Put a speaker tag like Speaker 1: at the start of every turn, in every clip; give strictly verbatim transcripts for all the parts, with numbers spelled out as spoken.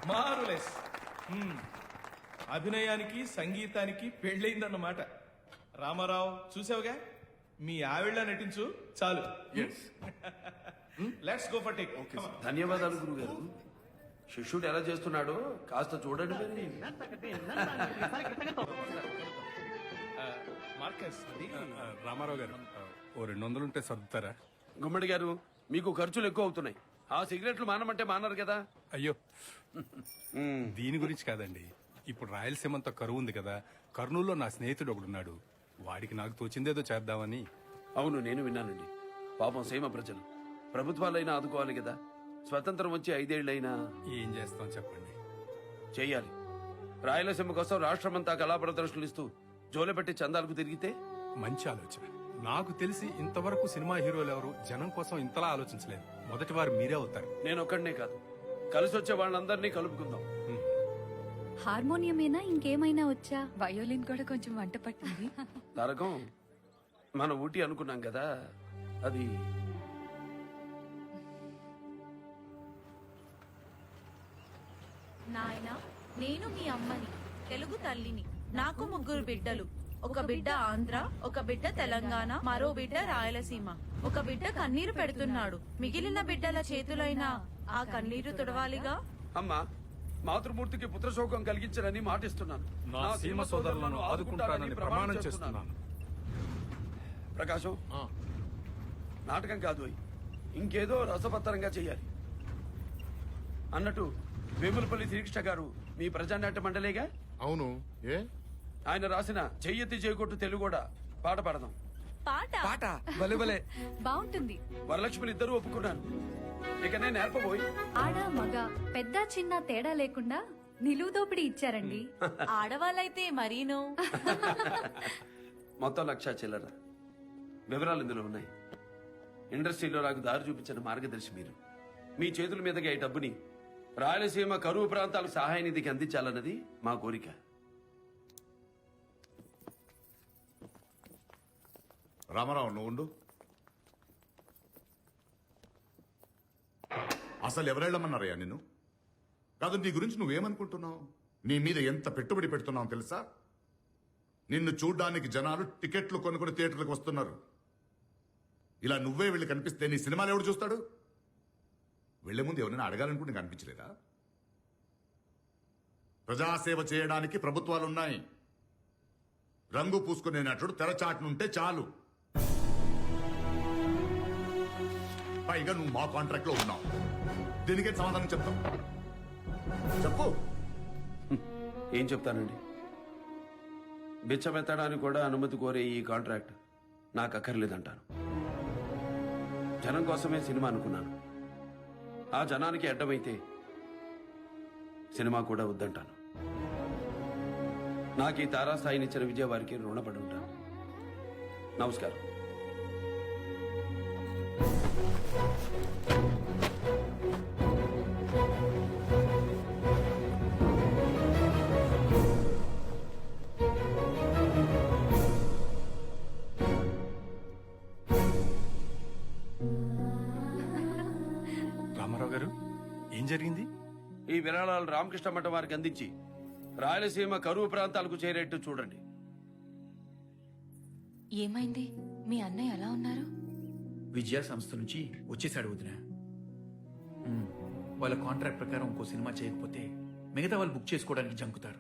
Speaker 1: Marvellous. అభినయానికి సంగీతానికి పెళ్ళయిందన్నమాట. రామారావు చూసావుగా, మీ ఆవిళ్ళ నటించు చాలు. Let's go for take.
Speaker 2: ధన్యవాదాలు గురువు గారు. శిష్యుడు ఎలా చేస్తున్నాడో కాస్త చూడండి మరి.
Speaker 1: మార్కస్, అది
Speaker 3: రామారావు గారు ఓ రెండు వందలు ఉంటే సర్దుతారా?
Speaker 2: గుమ్మడి గారు, మీకు ఖర్చులు ఎక్కువ అవుతున్నాయి. ఆ సిగరెట్లు మానమంటే మానరు కదా.
Speaker 3: అయ్యో, దీని గురించి కాదండి. ఇప్పుడు రాయలసీమంతా కరువు ఉంది కదా, కర్నూలులో నా స్నేహితుడు ఒకడున్నాడు. వాడికి నాకు తోచిందేదో చేద్దామని.
Speaker 2: అవును, నేను విన్నానండి. పాపం సీమ ప్రజలు ప్రభుత్వాలైనా ఆదుకోవాలి కదా. స్వతంత్రం వచ్చి ఐదేళ్లైనా
Speaker 3: ఏం చేస్తాం చెప్పండి.
Speaker 2: చెయ్యాలి. రాయలసీమ కోసం రాష్ట్రమంతా కళా ప్రదర్శనలు ఇస్తూ జోలెపెట్టి చందాలకు తిరిగితే
Speaker 3: మంచి ఆలోచన. నాకు తెలిసి ఇంతవరకు సినిమా హీరోలు ఎవరు జనం కోసం ఇంతలా ఆలోచించలేదు. మొదటి వారు మీరే అవుతారు.
Speaker 2: నేను ఒక్కడనే కాదు, కలిసి వచ్చే వాళ్ళందరినీ కలుపుకుందాం.
Speaker 4: హార్మోనియమేనా ఇంకేమైనా వచ్చా?
Speaker 5: వయోలిన్ కూడా కొంచెం వంట పట్టింది.
Speaker 2: తారకం, మన ఊటీ అనుకున్నాం కదా, అది
Speaker 6: నాయనా, నేను మీ అమ్మని, తెలుగు తల్లిని. నాకు ముగ్గురు బిడ్డలు. ఒక బిడ్డ ఆంధ్ర, ఒక బిడ్డ తెలంగాణ, మరో బిడ్డ రాయలసీమ. ఒక బిడ్డ కన్నీరు పెడుతున్నాడు. మిగిలిన బిడ్డల చేతులైనా ఆ కన్నీరు తుడవాలిగా.
Speaker 2: అమ్మా, మాతృమూర్తికి పుత్రశోకం కలిగించనని మాటిస్తున్నాను.
Speaker 3: నా సీమ సోదరులను ఆదుకుంటానని ప్రమాణం చేస్తున్నాను.
Speaker 2: ప్రకాశం, నాటకం కాదు, ఇంకేదో రసపత్తరంగా చెయ్యాలి. అన్నట్టు వేములపల్లి శ్రీకృష్ణ గారు మీ ప్రజానాట్య మండలేగా?
Speaker 7: అవును. ఏ
Speaker 2: ఆయన రాసిన చెయ్యెత్తి చేయకొట్టు తెలుగు కూడా పాట పాడదాం.
Speaker 6: పాట
Speaker 2: పాట బలే
Speaker 4: బాగుంటుంది.
Speaker 2: వరలక్ష్మిని ఇద్దరు ఒప్పుకున్నాను. ఇక నేను నేర్పబోయి
Speaker 4: ఆడ మగ పెద్ద చిన్న తేడా లేకుండా నిలువు దోపిడీ ఇచ్చారండి.
Speaker 6: ఆడవాళ్ళైతే మరీను.
Speaker 2: మొత్తం లక్ష చిల్లర. వివరాలు ఇందులో ఉన్నాయి. ఇండస్ట్రీలో నాకు దారి చూపించిన మార్గదర్శి మీరు. మీ చేతుల మీదుగా ఈ డబ్బుని రాయలసీమ కరువు ప్రాంతాలకు సహాయ నిధికి అందించాలన్నది మా కోరిక.
Speaker 7: రామారావు, నువ్వు ఉండు. అసలు ఎవరెళ్ళమన్నారయ్యా నిన్ను? కాదు, నీ గురించి నువ్వేమనుకుంటున్నావు? నీ మీద ఎంత పెట్టుబడి పెడుతున్నావు తెలుసా? నిన్ను చూడ్డానికి జనాలు టికెట్లు కొనుక్కొని థియేటర్లకు వస్తున్నారు. ఇలా నువ్వే వెళ్ళి కనిపిస్తే నీ సినిమాలు ఎవడు చూస్తాడు? వెళ్లే ముందు ఎవరైనా అడగాలనుకుంటే కనిపించలేదా? ప్రజాసేవ చేయడానికి ప్రభుత్వాలున్నాయి. రంగు పూసుకునే నటుడు తెరచాటునుంటే చాలు. పైగా నువ్వు మా కాంట్రాక్ట్ లో ఉన్నావు. దీనికే సమాధానం చెప్తావు? చెప్పు.
Speaker 2: ఏం చెప్తానండి? బిచ్చమెత్తడానికి కూడా అనుమతి కోరే ఈ కాంట్రాక్ట్ నాకు అక్కర్లేదంటాను. జనం కోసమే సినిమా అనుకున్నాను. ఆ జనానికి అడ్డమైతే సినిమా కూడా వద్దంటాను. నాకు ఈ తారాస్థాయినిచ్చిన విజయ వారికి రుణపడి ఉంటాను. నమస్కారం.
Speaker 3: రామారావు గారు, ఏం జరిగింది?
Speaker 2: ఈ విరాళాలు రామకృష్ణ మఠం వారికి అందించి రాయలసీమ కరువు ప్రాంతాలకు చేరేట్టు చూడండి.
Speaker 5: ఏమైంది? మీ అన్నయ్య ఎలా ఉన్నారు?
Speaker 8: విజయ సంస్థ నుంచి వచ్చేసాడు వదిన. ఉమ్, వాళ్ళ కాంట్రాక్ట్ ప్రకారం ఇంకో సినిమా చేయకపోతే మిగతా వాళ్ళు బుక్ చేసుకోవడానికి జంకుతారు.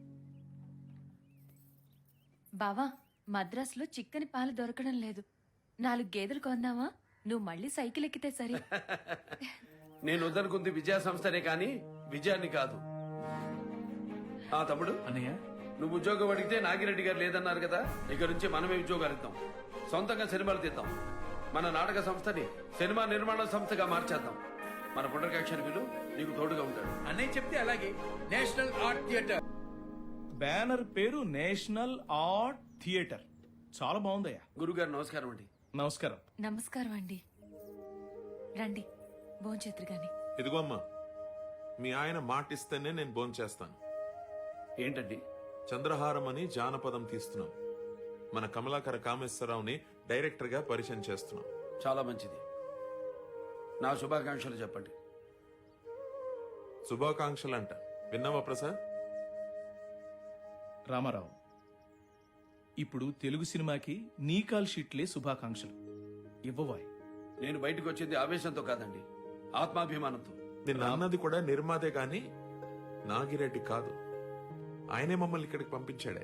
Speaker 5: బావా, మద్రాసులో చిక్కని పాలు దొరకడం లేదు. నాలుగు గేదెలు కొందామా? నువ్వు మళ్ళీ సైకిల్ ఎక్కితే సరే.
Speaker 2: నేను వద్దనుకుంది విజయ సంస్థనే కానీ విజయాన్ని కాదు. ఆ తమ్ముడు,
Speaker 8: అన్నయ్య,
Speaker 2: నువ్వు ఉద్యోగం అడిగితే నాగిరెడ్డి గారు లేదన్నారు కదా. ఇక నుంచి మనమే ఉద్యోగాలు ఇద్దాం. సొంతంగా సినిమాలు తీద్దాం. మన నాటక సంస్థని సినిమా నిర్మాణ సంస్థగా మార్చేద్దాం. మన పునర్కాక్షణ విలు నీకు తోడుగా ఉంటాడు.
Speaker 8: అన్నయ్య చెప్తే అలాగే. నేషనల్ ఆర్ట్ థియేటర్
Speaker 1: బ్యానర్ పేరు నేషనల్ ఆర్ట్ థియేటర్. చాలా బాగుందయ్యా.
Speaker 2: గురుగారు నమస్కారం అండి.
Speaker 1: నమస్కారం.
Speaker 5: నమస్కారం అండి. రండి, భోంచేతురు గాని.
Speaker 9: ఇదిగో అమ్మా, మీ ఆయన మాటిస్తేనే నేను భోంచేస్తాను.
Speaker 2: ఏంటండి?
Speaker 9: చంద్రహారం అని జానపదం తీస్తున్నాం. మన కమలాకర కామేశ్వరరావుని డైరెక్టర్ గా పరిచయం చేస్తున్నాం.
Speaker 2: చాలా మంచిది. నా శుభాకాంక్షలు చెప్పండి.
Speaker 9: శుభాకాంక్షలు అంట విన్నావా ప్రసాద్?
Speaker 1: రామారావు, ఇప్పుడు తెలుగు సినిమాకి నీ కాల్ షీట్లే శుభాకాంక్షలు ఇవ్వవాయ్.
Speaker 2: నేను బయటకు వచ్చింది ఆవేశంతో కాదండి, ఆత్మాభిమానంతో.
Speaker 9: నిన్న అన్నది కూడా నిర్మాతే గాని నాగిరెడ్డి కాదు. ఆయనే మమ్మల్ని ఇక్కడికి పంపించాడే.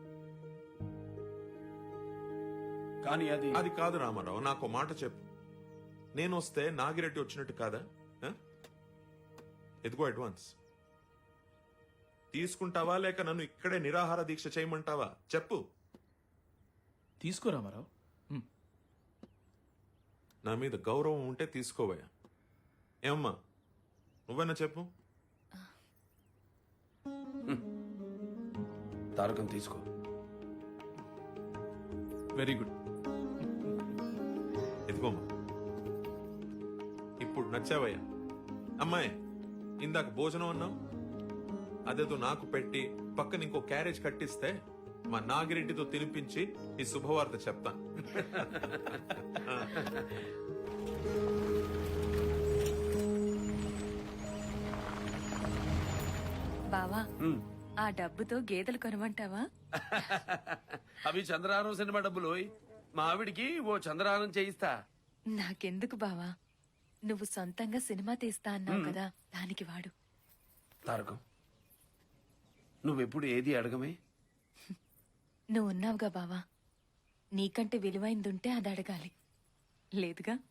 Speaker 2: కానీ అది
Speaker 9: అది కాదు రామారావు, నాకు ఓ మాట చెప్పు. నేను వస్తే నాగిరెడ్డి వచ్చినట్టు కాదా? ఆ? ఎదుగో అడ్వాన్స్ తీసుకుంటావా లేక నన్ను ఇక్కడే నిరాహార దీక్ష చేయమంటావా? చెప్పు.
Speaker 1: తీసుకో రామారావు. ఉమ్.
Speaker 9: నా మీద గౌరవం ఉంటే తీసుకోవయ్యా. ఏమమ్మా నువ్వైనా చెప్పు.
Speaker 2: తారకం తీసుకో.
Speaker 1: Very good.
Speaker 9: ఎదుగోమ్మా ఇప్పుడు నచ్చావయ్యా. అమ్మాయి ఇందాక భోజనం అన్నావు, అదేదో నాకు పెట్టి పక్కన ఇంకో క్యారేజ్ కట్టిస్తే మా నాగిరెడ్డితో తినిపించి ఈ శుభవార్త చెప్తాను.
Speaker 5: బావా ఆ డబ్బుతో గేదెలు కొనమంటావా?
Speaker 2: అవి చంద్రహారం సినిమా డబ్బులు. మా ఆవిడికి ఓ చంద్రహారం చేయిస్తా.
Speaker 5: నాకెందుకు బావా, నువ్వు సొంతంగా సినిమా తీస్తా అన్నావు కదా, దానికి వాడు.
Speaker 2: తారకం నువ్వెప్పుడు ఏది అడగమే.
Speaker 5: నువ్వు ఉన్నావుగా బావా, నీకంటే విలువైందుంటే అది అడగాలి. లేదుగా.